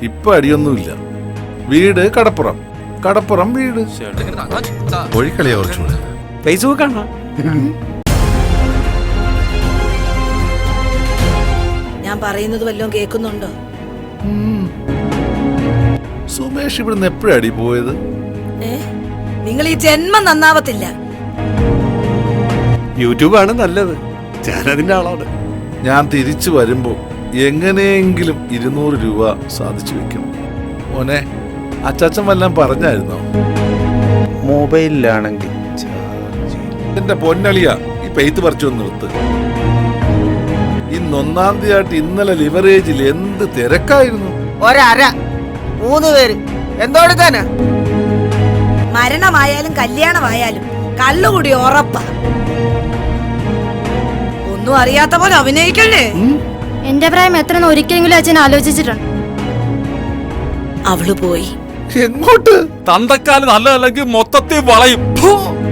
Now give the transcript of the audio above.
ഇപ്പൊ അടിയൊന്നുമില്ല. വീട് കടപ്പുറം, കടപ്പുറം വീട്. കോഴിക്കളിയാ കുറച്ചുകൂടെ. ഫേസ്ബുക്ക് ആണോ? ഞാൻ പറയുന്നത് വല്ലതും കേൾക്കുന്നുണ്ടോ? സുമേഷ് ഇവിടുന്ന് എപ്പോഴാടി പോയത്? നിങ്ങൾ ഈ ജന്മം നന്നാവത്തില്ല. യൂട്യൂബ് ആണ് നല്ലത്. ഞാനതിന്റെ ആളാണ്. ഞാൻ തിരിച്ചു വരുമ്പോ എങ്ങനെയെങ്കിലും 200 രൂപ സാധിച്ചു വെക്കണം. മോനെ, അച്ചാച്ചൻ വല്ലതും പറഞ്ഞായിരുന്നോ? മൊബൈലിലാണെങ്കിൽ എന്റെ പൊന്നളിയ, ഈ പെയ്ത്ത് പറിച്ചു നിർത്ത്. ഇന്ന് 1-ാം തീയതി ഇന്നലെ ലിവറേജിൽ എന്ത് തിരക്കായിരുന്നു. 3 പേര് എന്തോടുക്കാനാ? മരണമായാലും കല്യാണമായാലും കള്ളുകൂടി ഉറപ്പാ. ഒന്നും അറിയാത്ത പോലെ അഭിനയിക്കല്ലേ. എന്റെ പ്രായം എത്രയെന്ന് ഒരിക്കലെങ്കിലും അച്ഛൻ ആലോചിച്ചിട്ടുണ്ട്. അവള് പോയി. എങ്ങോട്ട്? തന്തക്കാല് നല്ലതല്ലെങ്കിൽ മൊത്തത്തിൽ വളയും.